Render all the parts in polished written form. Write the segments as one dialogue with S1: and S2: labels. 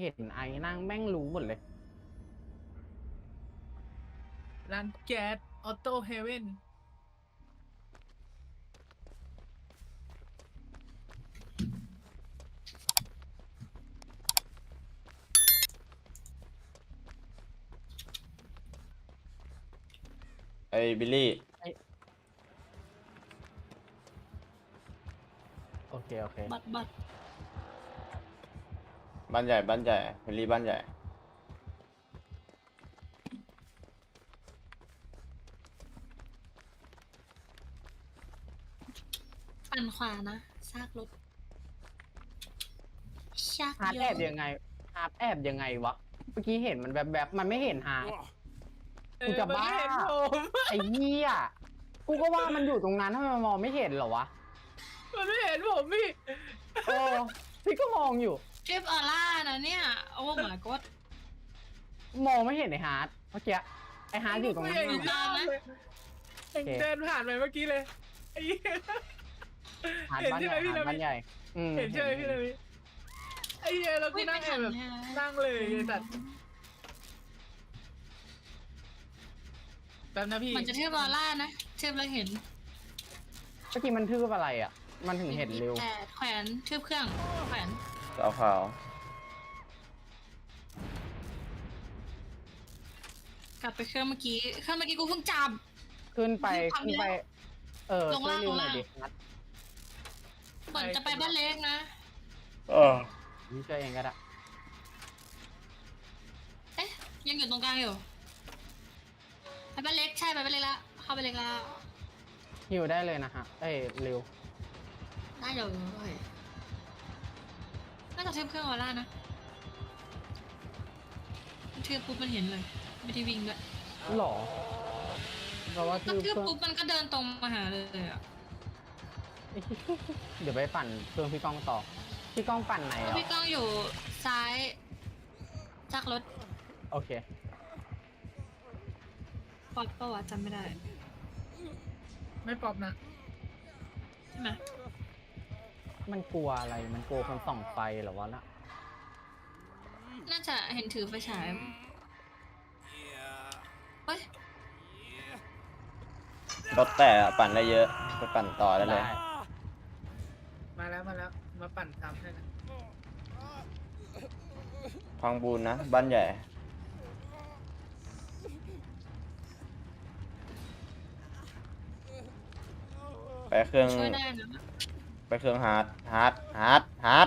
S1: เห็นไอ้นั่งแม่งรู้หมดเลย
S2: ร้านแก๊สออโต้เฮเว่น
S3: ไอ้บิลลี่
S1: โอเคโอเค
S4: บัตร
S3: บ้านใหญ่บ้านใหญ่บิลลี่บ้านใหญ่
S4: ปั่นขวานะซากรถชาก
S1: ฮาร์ด
S4: เย
S1: แอ
S4: อะ
S1: บยังไงฮาร์ดแอบยังไงวะเมื่อกี้เห็นมันแบบมันไม่เห็นฮาร์ด กูจะบ้า
S2: มันไม่เห็นผม
S1: ไอ้เหี้ยกูก็ว่ามันอยู่ตรงนั้นทำไมมันมองไม่เห็นเหรอวะ
S2: มันไม่เห็นผมพี่
S1: เออพี่ก็มองอยู่
S4: ทริปออร่านะเนี่ยโอ้ my god
S1: มองไม่เห็นไอ้ฮาร์ดเมื่อกี้ไอ้ฮาร์ดอยู่ตรงนั้น
S2: ไม่เห็น
S4: ตามนะ
S1: โอเค
S2: เดินผ่านไปเมื่อกี้เลยไอ้เหี้ย
S1: ฮาร์ด
S2: เห็น
S1: บ้าน
S2: ใช่
S1: ให
S2: ไหม
S1: ญ่
S2: พี่
S1: ฮาร์ด
S2: นาวิ
S1: บ้านใหญ่
S2: เห็นใช่ไหมพี่นาวิไอ้เหี้ยแล้วกู
S4: วิ่ง
S2: นั่
S4: ไม่
S2: งแอ
S4: ทั
S2: บ
S4: น
S2: แบบ
S4: ฮะ
S2: นั่งเลยไอ้สัตว์แป๊บนะพี่
S4: มันจะทริปออร่านะทริปเราเห็น
S1: เมื่อกี้มันทืบอะไรอ่ะ มันถึงเห็นเร็ว
S4: แต่แขวนทริปเครื่องแขวน
S3: เอาขาว
S4: กลับไปเครื่องเมื่อกี้กูเพิ่งจับ
S1: ขึ้นไป
S4: ทำแล้ว
S1: ขึ้นไป
S4: ลง
S1: ช่วย
S4: ล่าง
S1: ริว
S4: ลง
S1: หน่
S4: ล่า
S1: อย
S4: ง
S1: ดินัด
S4: เหมือนจะไปบ้านเล็กนะ
S3: เออ
S1: นี่ช่วยเองก็ได้
S4: เอ๊ะยังอยู่ตรงกลางอยู่ไปบ้านเล็กใช่ไปบ้านเล็กละเข้าไปเล็กละ
S1: ฮิวได้เลยนะฮะเอ้ยริว
S4: น่าอยู่เลยน่าจะทริปเครื่องออร่านะทริปปุ๊บมันเห็นเลยไม่ได้วิ่งด้วย
S1: หรอเพราะว่า
S4: ก็
S1: ทืบ
S4: ทริป
S1: เครื่อง
S4: ปุ๊บมันก็เดินตรงมาหาเลยอ่ะ
S1: เดี๋ยวไปปั่นเครื่องพี่ก้องต่อพี่ก้องปั่นไหน
S4: แล้ว
S1: อ่ะ
S4: พี่ก้องอยู่ซ้ายจากรถ
S1: โอเค
S4: ปอดประวัติจำไม่ได้
S2: ไม่ปรับนะ
S4: ใช่ไหม
S1: มันกลัวอะไร มันกลัวคนส่องไฟเหรอวะน่ะ
S4: น่าจะเห็นถือไฟฉายเฮ้ย
S3: รถแต่อะปั่นได้เยอะไปปั่นต่อได้เลย
S2: มาแล้วมาปั่นซ้ำให้นะ
S3: พังบูนนะบ้านใหญ่ไปเครื่อง
S4: ช่วยได้นะ
S3: ไปเครื่องฮาร์ด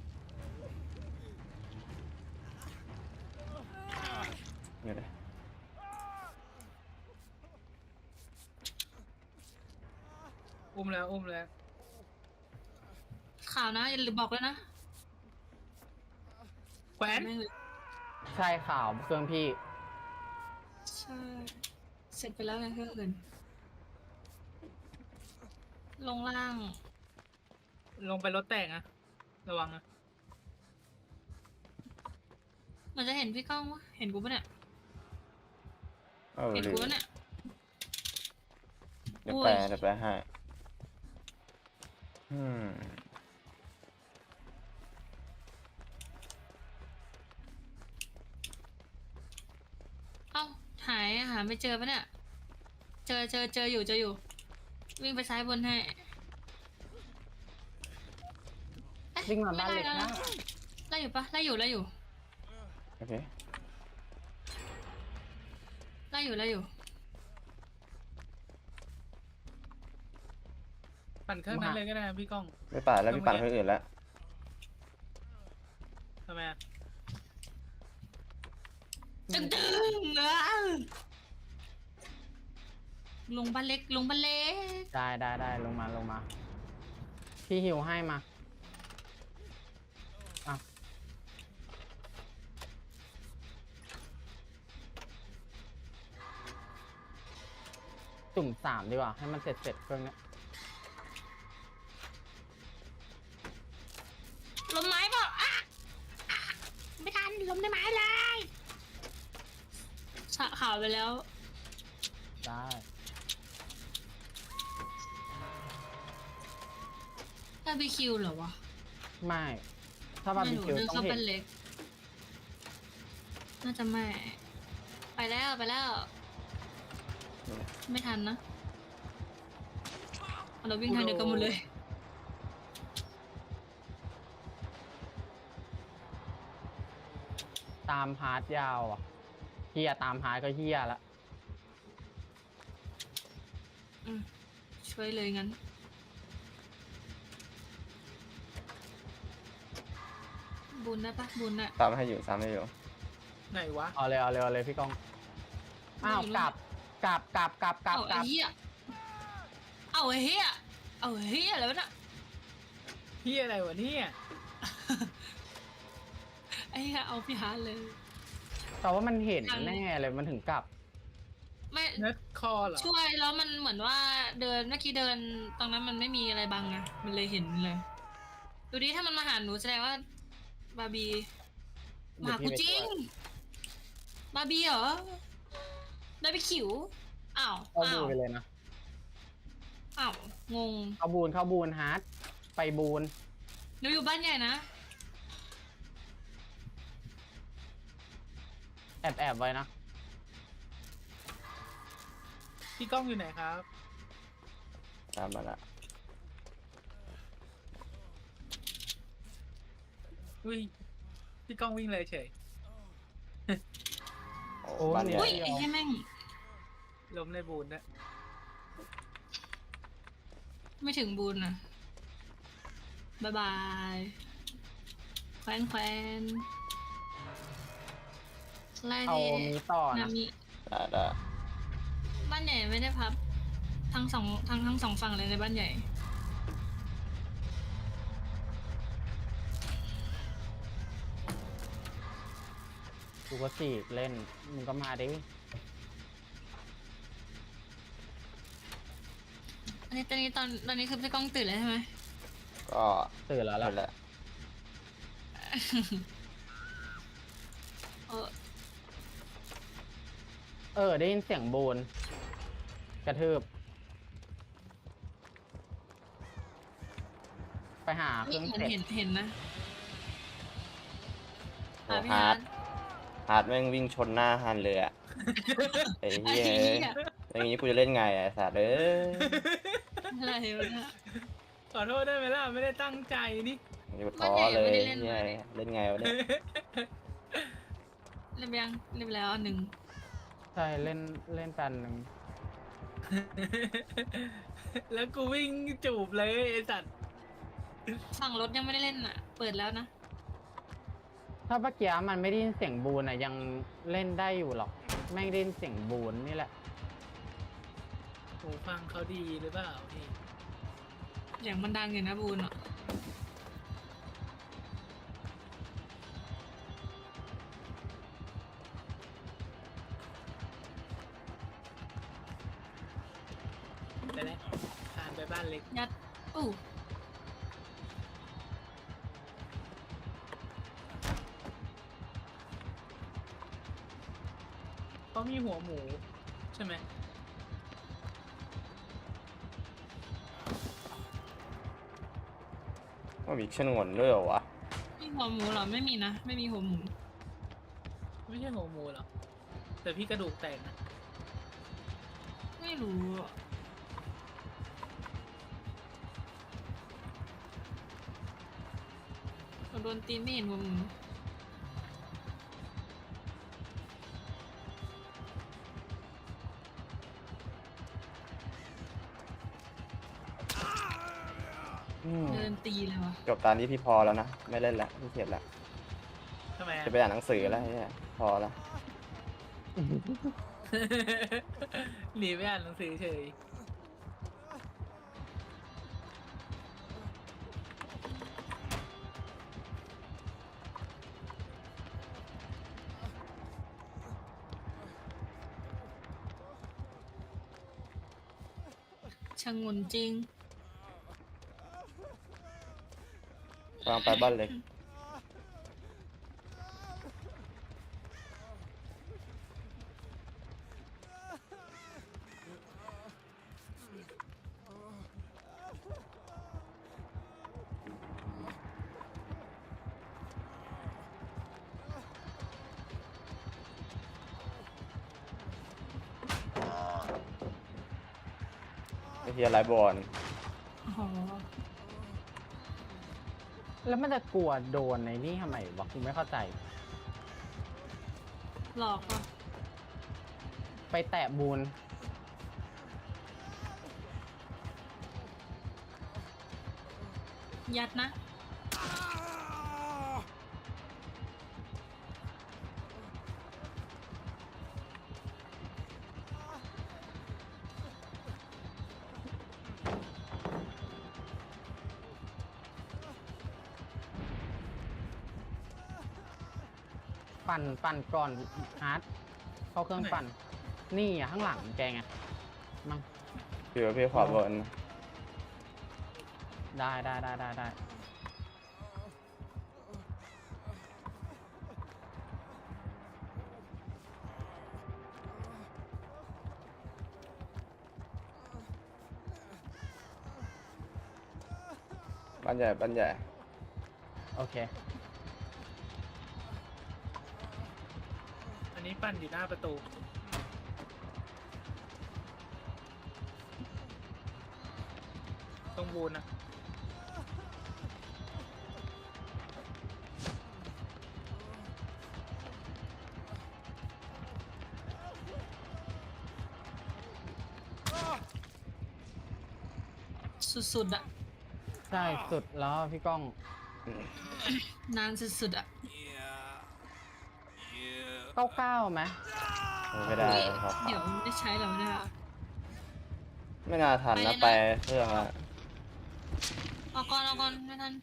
S3: อยู่เลย
S2: อุ้มแล้ว
S4: ข่าวนะอย่าลืมบอกเลยนะ
S2: แขวน
S4: แม่งเลย
S1: ใช่ข่าวเครื่องพี่
S4: ใช่เสร็จไปแล้วไงเครื่องอื่นลงล่าง
S2: ลงไปรถแตกนะระวังนะ
S4: มันจะเห็นพี่ก้องวะเห็นกูปะเนี่ย
S3: เออ
S4: เห็น
S3: ลื
S4: กู
S3: ม
S4: ปะเนี่ย
S3: เดี๋ยว
S4: โอ้
S3: ไป
S4: ย
S3: เดี๋ยวไปให้อืม
S4: เอ้าหาไม่เจอปะเนี่ยเจออยู่วิ่งไปซ้ายบนให้เอ๊ะ
S1: วิ่งมาบ้านเล็ก
S4: ไได้
S1: นะ
S4: ไล่อยู่ปะไล่อยู่
S3: โอเค
S4: ไล่อยู่
S2: ปั่นเครื่องนั้นเลยก็ได้นะพี่ก้อง
S3: ไม่ปั่นแล้วพี่ปั่นเครื่องอื่นแล้ว
S2: ทำไมอะ
S4: ตึงลงบ้านเล็ก
S1: ได้ลงมาพี่หิวให้มาอ่ะจุ่ม3ดีกว่าให้มันเสร็จเครื่องเนี้ย
S4: ล้มไม้เปล่าอ่ะไม่ทันล้มได้ไม้เลยสะข่าวไปแล้ว
S1: ได้
S4: ถ้าบีคิวเหรอวะ
S1: ไม่ถ้าบาร์บีคิว
S4: เดิน
S1: ต้อ
S4: เข้าง
S1: เห็
S4: บ้าน นเล็กน่าจะไม่ ไปแล้วไปแล้ว ไม่ทันนะเราวิ่งทางเดียวกันหมดเลย
S1: ตามฮาร์ดยาวอ่ะเฮียตามฮาร์ดก็เฮียละ
S4: อืมช่วยเลยงั้น บุญได้ปะบุญอะ
S3: ตามให้อยู่ตามให้อยู่
S2: ไหนวะ
S1: เอาเลยเอาเลยเอาเลยพี่ก้องอ้าว
S4: ไม่รู้
S1: กลับกลับ
S4: เอาไอ้เหี้ยเอาไอ้เหี้ยเอาไอ้เหี้ยอะไรวะน่ะ
S2: เฮียอะไรวะเนี่ย
S4: ไอ้เหี้ยเอาพี่ฮาร์ดเลย
S1: แต่ว่ามันเห็น
S4: ยัง
S1: แน่เลยมันถึงกลับ
S4: ไม่
S2: เน็ตคอเหรอ
S4: ช่วยแล้วมันเหมือนว่าเดินเมื่อกี้เดินตรงนั้นมันไม่มีอะไรบังไงมันเลยเห็นเลย ดูดิถ้ามันมาหาหนูแสดงว่า บาร์บีมาหากูจริง บาร์บีเหรอได้ไปขิวอ้าว
S1: เข้า
S4: อ้า
S1: บู
S4: วน
S1: ไปเลยนะ
S4: อ้าวงง
S1: เข้าบูนฮาร์ดไปบูน
S4: หนูอยู่บ้านใหญ่นะ
S1: แอบไว้นะ
S2: พี่ก้องอยู่ไหนครับ
S3: ตามมาละ
S2: อุ้ยพี่ก้องวิ่งเลยเฉย
S3: โอ้บ้านใหญ่
S4: อุ้ยไอ้เหี้ยแม่ง
S2: ล้มในบูนนะ
S4: ไม่ถึงบุญนะบายบายแควนแควนไล่
S1: เอา
S4: ดิ
S1: มีต่อ
S4: นา
S1: นะ
S4: มิ
S3: ได้
S4: บ้านใหญ่ไม่ได้พับ ทั้งสองฝั่งเลยในบ้านใหญ่
S1: กูก็จีบเล่นมึงก็มาดิ
S4: อันนี้ตอนนี้คือพี่ก้องตื่นแล้วใช่ไหม
S3: ก็
S1: ตื่นแล้ว
S3: นั่นแห
S1: ล่ะ
S3: ละ
S1: ได้ยินเสียงบูนกระทืบ ไปหาเครื่องเสร็จ
S4: เห็นนะ
S3: โอ้
S4: พี่
S3: ฮา
S4: ฮา
S3: ร์
S4: ร์
S3: ด
S4: ด
S3: ฮาร์ดแม่งวิ่งชนหน้าฮันเลยอะไอ้
S4: ไอ้
S3: เหี้ย
S4: เหี้ย
S3: อย่างงี้กูจะเล่นไงอะไอ้สัตว์เอ้ย
S4: อะไรวะเนี่ย
S2: ขอโทษได้ไหมล่ะ ไม่ได้ตั้งใจนี่
S3: อยู่ท้อเลย
S4: ไม่ได้เล่น
S3: เหี้ย
S4: มา
S3: เล่นไงวะเนี่ย
S4: เรียบยังเรียบแล้วอันหนึ่ง
S1: ใช่เล่นแปนหนึ่ง
S2: แล้วกูวิ่งจูบเลยไอ้สัตว์
S4: ฝั่งรถยังไม่ได้เล่นอ่ะ เปิดแล้วนะ
S1: ถ้าเมื่อกี้มันไม่ได้ยินเสียงบูนอ่ะยังเล่นได้อยู่หรอกแม่งได้ยินเสียงบูนนี่แหละ
S2: หูฟังเขาดีหรือเปล่าพี่
S4: อย่างมันดังอยู่นะบูนอ่ะ
S2: ไปแล้วผ่านไปบ้านเล็ก
S4: ยัดอู้
S2: เขามีหัวหมู ใช่ไหม
S3: ว่ามีชนวนด้วยเหรอวะ
S4: มีหัวหมูเหรอไม่มีนะ ไม่มีหัวหมู
S2: ไม่ใช่หัวหมูหรอกแต่พี่กระดูกแตกนะ
S4: ไม่รู้อะเราโดนตีนไม่เห็นหัวหมู เดินตีเลยวะ
S3: จบตอนนี้พี่พอแล้วนะ ไม่เล่นละพี่เข็ดละ
S2: ทำไมอะ
S3: จะไปอ่านหนังสือแล้วเนี่ยพอละ
S2: หนีไปอ่านหนังสือเฉย
S4: ช่างงนจริง
S3: วางไปบ้านเล็กไอ้เฮียไลฟ์บอล
S4: อ๋อ
S1: แล้วมันจะกลัวโดนในนี่ทำไมวะกูไม่เข้าใจ
S4: หลอกอ่ะ
S1: ไปแตะบูน
S4: ยัดนะ
S1: ปั่นก่อนฮาร์ดเข้าเครื่องปั่น นี่อ่ะข้างหลังแกไงมั้ง
S3: พี่ว่าพี่ขวาบน
S1: ได้
S3: บ้านใหญ่บ้านใหญ่
S1: โอเค
S2: อันนี้ปั่นอยู่หน้าประตู ตรงบูนนะ
S4: สุดๆอ่ะ
S1: ใช่สุดแล้วพี่ก้อง
S4: นานสุดๆอ่ะ
S1: 99ไหม
S3: ไม่ได้
S4: เฮ้ย
S3: ครับ
S4: เดี๋ยวไม่ได้ใช้แล้วเนี่ย
S3: ไม่น่าทันนะ
S4: ไป
S3: ไป
S4: เลยนะ
S3: เครื่องละ
S4: เอาก่อนไม่ทัน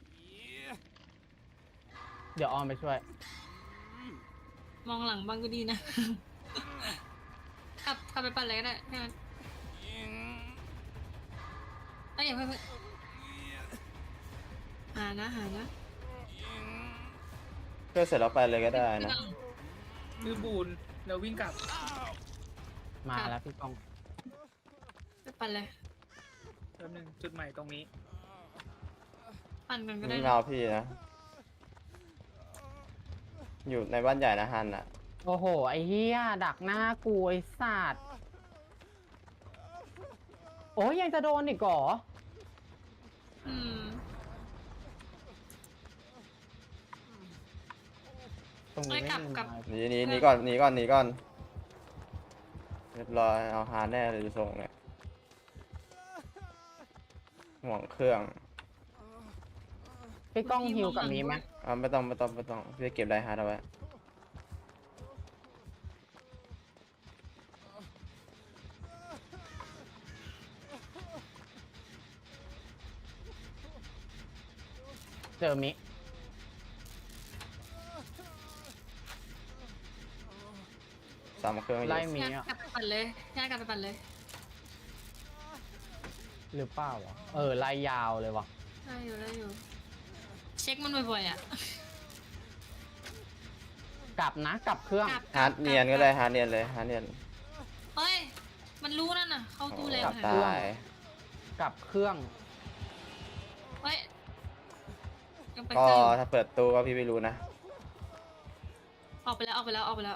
S1: เดี๋ยวออมไปช่วย
S4: มองหลังบ้างก็ดีนะ กลับไปปั่นเลยก็ได้แค่นั้นเอ้ยอย่าเพิ่งหานะ
S3: เครื่องเสร็จแล้วไปเลยก็ได้นะ
S2: คือบูนเราวิ่งกลับ
S1: มาแล้วพี่ก้อง
S4: ไปปั่นเลย
S2: แป๊บนึงจุดใหม่ตรงนี้
S4: ปั่นกันก็ได้
S3: นี่
S4: นะ
S3: มาเอาพี่นะ อยู่ในบ้านใหญ่นะฮันอ่ะ
S1: โอ้โห ไอ้เหี้ยดักหน้ากูไอ้สัตว์โอ้ยยังจะโดนอีกเหรอ
S4: อืม
S1: ตรงนี้ไม่มี
S4: กลับ
S1: ไม้
S3: หนีก่อนเรียบร้อยเอาฮาร์ดแน่เลยดูทรงเนี่ยห่วงเครื่อง
S1: พี่ก้องฮิวกับนี้ไหม
S3: ไม่ต้องพี่เก็บไดฮาร์ดเอาไว้
S1: เจอมิ
S3: 3 เครื่องอยู่
S1: ไล่มิ
S4: ญาติ
S1: อ่ะ
S4: กลับไปปั่นเลยญาติกลับไปปั่นเลย
S1: หรือเปล่าวะไล่ยาวเลยวะ
S4: ได้อยู่ เช็คมันบ่อยๆอ่ะ
S1: กลับนะกลับเครื่อง
S3: ฮาร์ดเนียนก็ได้ฮาร์ดเนียนเลยฮาร์ดเนียน
S4: เฮ้ย มันรู้นั่นน่ะ เข้าตู้แล้ว
S3: กลับ
S4: นะ
S3: ตาย
S1: กลับเครื่อง
S4: เฮ้ย ยังไป
S3: ก็
S4: ใกล้อยู่
S3: ถ้าเปิดตู้ก็พี่ไม่รู้นะ
S4: ออกไปแล้ว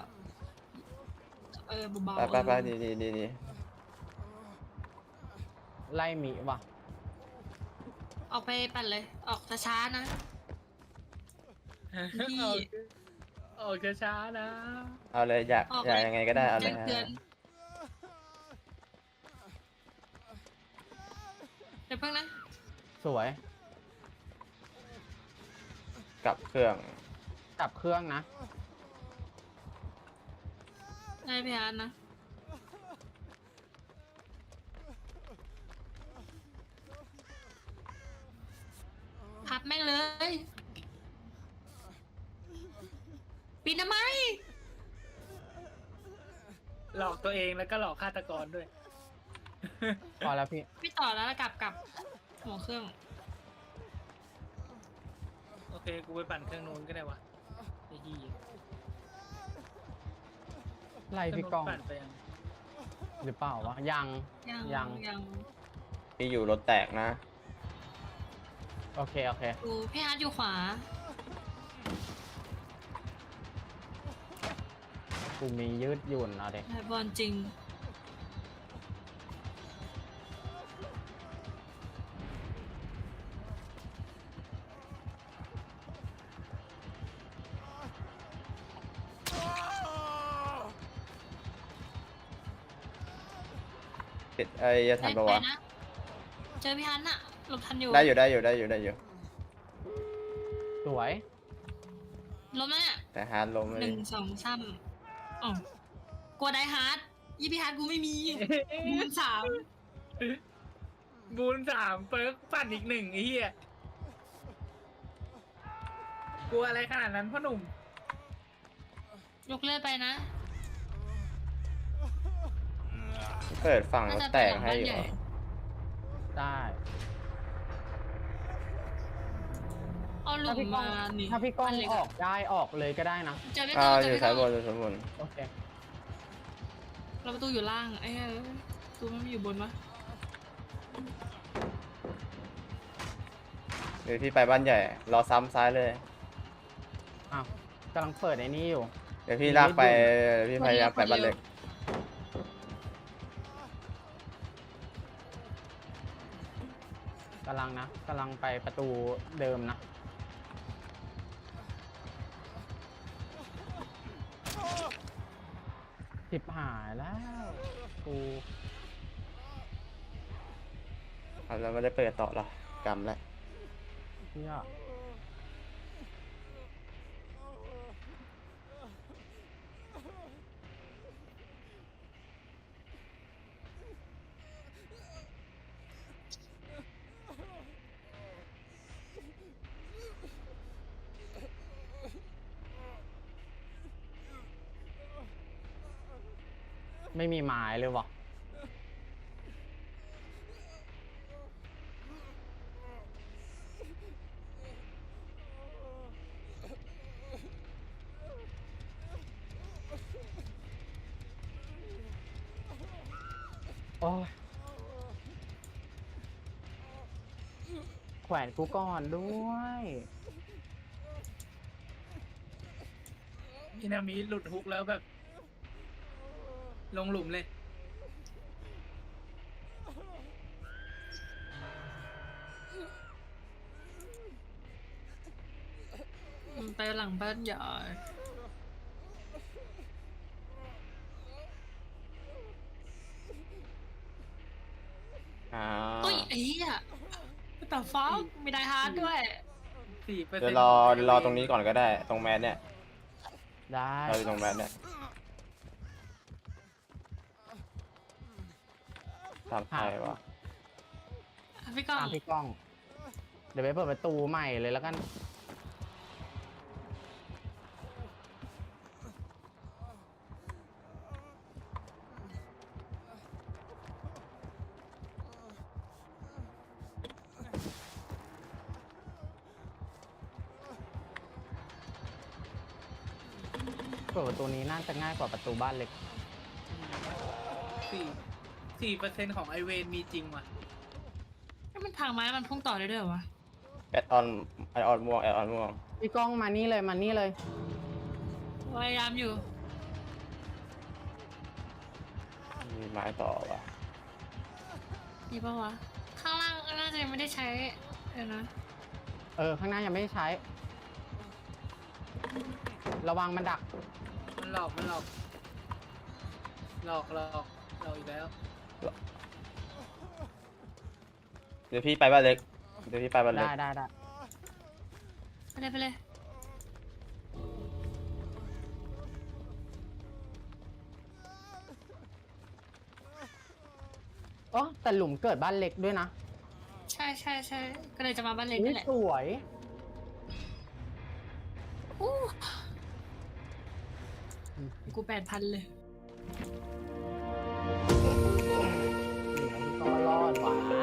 S4: เบาๆ
S3: ไปดี
S1: ไล่มิวะ
S4: ออกไปปั่นเลย ออกช้าๆนะ พี่
S2: ออกช้าๆนะ
S3: เอาเลยอยาก
S4: ออก
S3: อยากยังไงก็ได้เอาเล
S4: แจ้
S3: ย
S4: งเตือนเดี๋ยวเพิ่งนะ
S1: สวย
S3: กลับเครื่อง
S1: กลับเครื่องนะ
S4: ได้พี่อาร์ตนะ พับแม่งเลย ปีนทำไม
S2: หลอกตัวเองแล้วก็หลอกฆาตกรด้วย
S1: พอแล้วพี่
S4: ไม่ต่อแล้วกลับหัวเครื่อง
S2: โอเค กูไปปั่นเครื่องนู้นก็ได้วะไอ้ยี่
S1: ไล่พี่ก้อง
S2: ปั่นไปยัง
S1: หรือเปล่าวะยัง
S4: ยัง
S3: พี่อยู่รถแตกนะ
S1: โอเค
S4: ดูพี่อาร์ตอยู่ขวา
S1: กูมียืดหยุ่นเอาเด็ก
S4: ไอ้บอลจริง
S3: ปิดจะทันปะวะ
S4: ไปนะเจอพี่ฮันอะหลบทันอยู่
S3: ได้อยู่
S1: สวย
S4: ล้มแล้วเนี่ย
S3: แต่ฮาร์ดล้มเลย
S4: 1 2 3อ๋อกลัวไดฮาร์ดยี่พี่ฮันกูไม่มีบูน3
S2: บูน3เปิร์กปั่นอีก1ไอ้เหี้ยกลัวอะไรขนาดนั้นพ่อหนุ่ม
S4: ยกเลือดไปนะ
S3: เปิดฝั่ง
S4: น่าร
S3: ถ
S4: จะ
S3: แต
S4: ไป
S3: ก
S4: หลัง
S3: ให้
S4: บ้าน
S3: อยู่
S4: ใหญ่
S1: ได้
S4: เอาหลุ
S1: ถ้าม พี่ก้อ
S4: มาง หนี
S1: ถ้าพี่ก้อง
S4: บ้นเล็
S1: ออกได้ออกเลยก็ได้นะ
S4: เจอพี่
S3: อ้า
S4: ก้อง
S3: ว
S4: เจ
S3: อ
S4: อยู่พี่
S3: ซ้ายบ
S4: ก้อน ง
S3: อยู่ซ้ายบน
S1: โอเค
S4: เราประตูอยู่ล่างไอ้เหี้ยประตูไม่อยู่บนวะ
S3: เดี๋ยวพี่ไปบ้านใหญ่ รอซ้ำซ้ายเลย
S1: อ้าวกำลังเปิดไอ้นี่อยู่
S3: เดี๋ยวพี่ลากไปเดี๋ยวพี่พยายามไปบ้านเล็ก
S1: กำลังไปประตูเดิมนะ สิบหายแล้วกู
S3: แล้วไม่ได้เปิดต่อหรอกกำแล้ว
S1: เที่ยไม่มีไม้เลยวะโอ้ยแขวนกูก่อนด้วย
S2: พี่นามิหลุดฮุกแล้วแบบ ลงหลุมเลย
S4: มันไปหลังบ้านใหญ่
S3: อ้า
S4: เฮ้ยไอ้เหี้ยแต่ฟ้ามีไดฮาร์ดด้วย
S2: 4%
S3: เดี๋ยวรอตรงนี้ก่อนก็ได้ ตรงแมสเนี่ย
S1: ได้
S3: เราอยู่ตรงแมสเนี่ยทำใครวะ
S4: พี่ก้อง
S1: ตามพี่ก้อง เดี๋ยวไปเปิดประตูใหม่เลยแล้วกัน เปิดประตูนี้น่าจะง่ายกว่าประตูบ้านเล็ก
S2: 4% ของไอเวนมีจริงว่ะ
S4: ถ้ามันพังไม้มันพุ่งต่อได้ด้วยเหรอวะ
S3: แอดออนม่วง
S1: พี่ก้องมานี่เลยมานี่เลย
S4: พยายามอยู่
S3: มีไม้ต่อวะ
S4: มีปะวะ ข้างล่างน่าจะยังไม่ได้ใช้เดี๋ยวนะ
S1: ข้างหน้ายังไม่ได้ใช้ ระวังมันดัก
S2: มันหลอกหลอกอีกแล้ว
S3: เดี๋ยวพี่ไปบ้านเล็ก
S1: ได้
S4: ไปเลย
S1: อ๋อแต่หลุมเกิดบ้านเล็กด้วยนะ
S4: ใช่ก็เลยจะมาบ้านเล็ก
S1: อุ๊
S4: นี่
S1: ย
S4: แหละ
S1: สวย
S4: อู้กู8,000เลย
S1: นี่พี่ก้องรอดว่ะ